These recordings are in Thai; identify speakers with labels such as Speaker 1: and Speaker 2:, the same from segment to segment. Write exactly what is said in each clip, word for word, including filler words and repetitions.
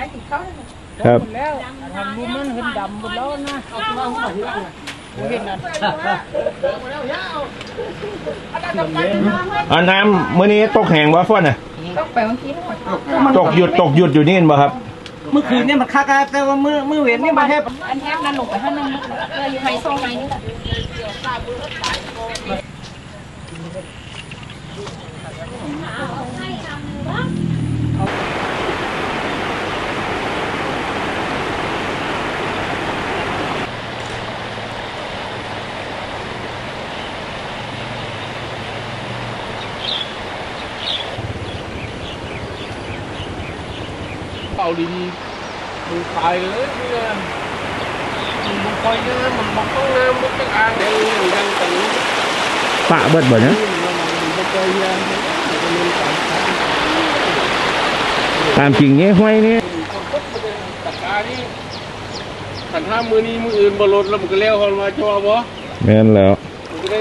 Speaker 1: ครับ
Speaker 2: แล้วทำบุญมันเห็นดำหมดแล้วนะเอาตัวหัวที่ล่างเห็นนั่น
Speaker 1: อันน้ำมื้อนี้ตกแห้งบ่ฟ้อนน่ะ
Speaker 3: ตกไปเมื่อกี้
Speaker 1: ตกหยุดตกหยุดอยู่นี่บ่ครับ
Speaker 2: เมื่อคืนเนี่ยมันคักแต่ว่ามือมือเวียนนี่มาแทบ
Speaker 3: อันแทบนั้นลงไปข้างนึงเลยอยู่ไฮโซไงนี่แหละ
Speaker 2: เป่าดีมึงตายเลยเนี่ยมึงคอยนะมันบอกต้องน้ำมันต้องอ่างเดี๋ยวยังตี
Speaker 1: ปะเบิดบ่เนี่ยตามจริงเนี่ยห้วยนี่
Speaker 2: ตัดการนี่ขันห้ามือนี้มืออื่นบอลดแล้วมันก็เลี้ยวคนมาชัวร์บ่
Speaker 1: แม่นแล้ว
Speaker 2: มันก็ได้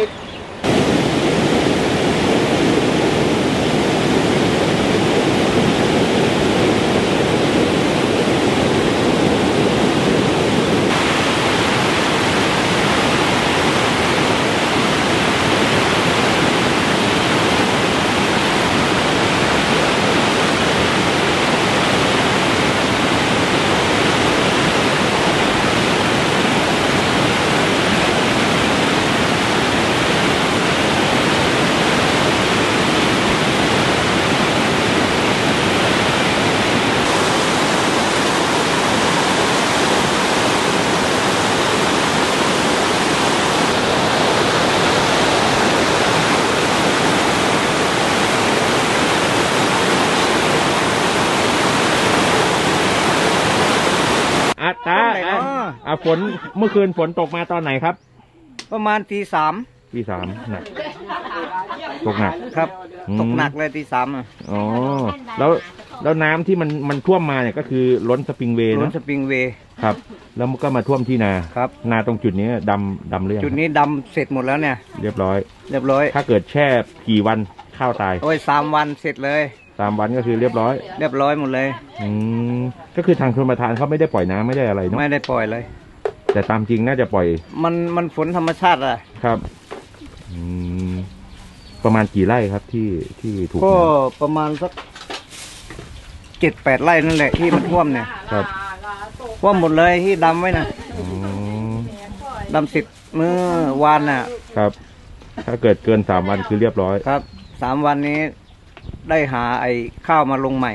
Speaker 1: อาตาอ่ะฝนเมื่อคืนฝนตกมาตอนไหนครับ
Speaker 2: ประมาณตีสาม
Speaker 1: ตีสามหนักตกหนัก
Speaker 2: ครับตกหนักเลยตีสามอ่ะ
Speaker 1: อ๋อแล้วแล้วน้ำที่มันมันท่วมมาเนี่ยก็คือล้นสปริงเวย์
Speaker 2: ล้นสปริงเวย์
Speaker 1: ครับแล้วมันก็มาท่วมที่นา
Speaker 2: ครับ
Speaker 1: นาตรงจุดนี้ดำดำเรื่อง
Speaker 2: จุดนี้ดำเสร็จหมดแล้วเนี่ย
Speaker 1: เรียบร้อย
Speaker 2: เรียบร้อย
Speaker 1: ถ้าเกิดแช่กี่วันข้าวตาย
Speaker 2: โอ้ยสามวันเสร็จเลย
Speaker 1: สามวันก็คือเรียบร้อย
Speaker 2: เรียบร้อยหมดเลย
Speaker 1: อืมก็คือทางชลประทานเขาไม่ได้ปล่อยน้ำไม่ได้อะไรเนาะ
Speaker 2: ไม่ได้ปล่อยเลย
Speaker 1: แต่ตามจริงน่าจะปล่อย
Speaker 2: มันมันฝนธรรมชาติอะ
Speaker 1: ครับอืมประมาณกี่ไร่ครับที่ที่ถูก
Speaker 2: ก็ประมาณสักเจ็ดแปดไร่นั่นแหละที่มันท่วมเนี่ย
Speaker 1: ครับ
Speaker 2: ท่วมหมดเลยที่ดำไว้นะดำสิบเมื่อวานน่ะ
Speaker 1: ครับถ้าเกิดเกินสามวันคือเรียบร้อย
Speaker 2: ครับสามวันนี้ได้หาไอ้ข้าวมาลงใหม่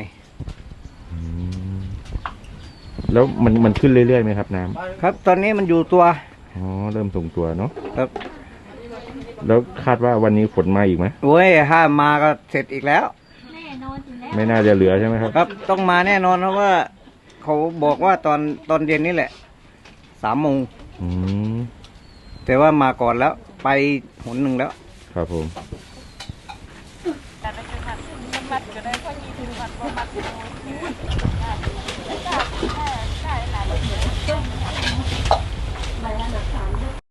Speaker 1: แล้วมันมันขึ้นเรื่อยๆไหมครับน้
Speaker 2: ำครับตอนนี้มันอยู่ตัว
Speaker 1: อ๋อเริ่มส่งตัวเนาะ
Speaker 2: ครับ
Speaker 1: แล้วคาดว่าวันนี้ฝนมาอีกไหม
Speaker 2: โอ้ยถ้ามาก็เสร็จอีกแล้ว
Speaker 3: แน่นอนอยู่แล้ว
Speaker 1: ไม่น่าจะเหลือใช่ไหมครับ
Speaker 2: ครับต้องมาแน่นอนเพราะว่าเขาบอกว่าตอนตอนเย็นนี่แหละสามโมงแต่ว่ามาก่อนแล้วไปหนหนึ่งแล้ว
Speaker 1: ครับผม
Speaker 3: มัดก็ได้พอดีถึงมัดว่ามัดได้ได้หลาย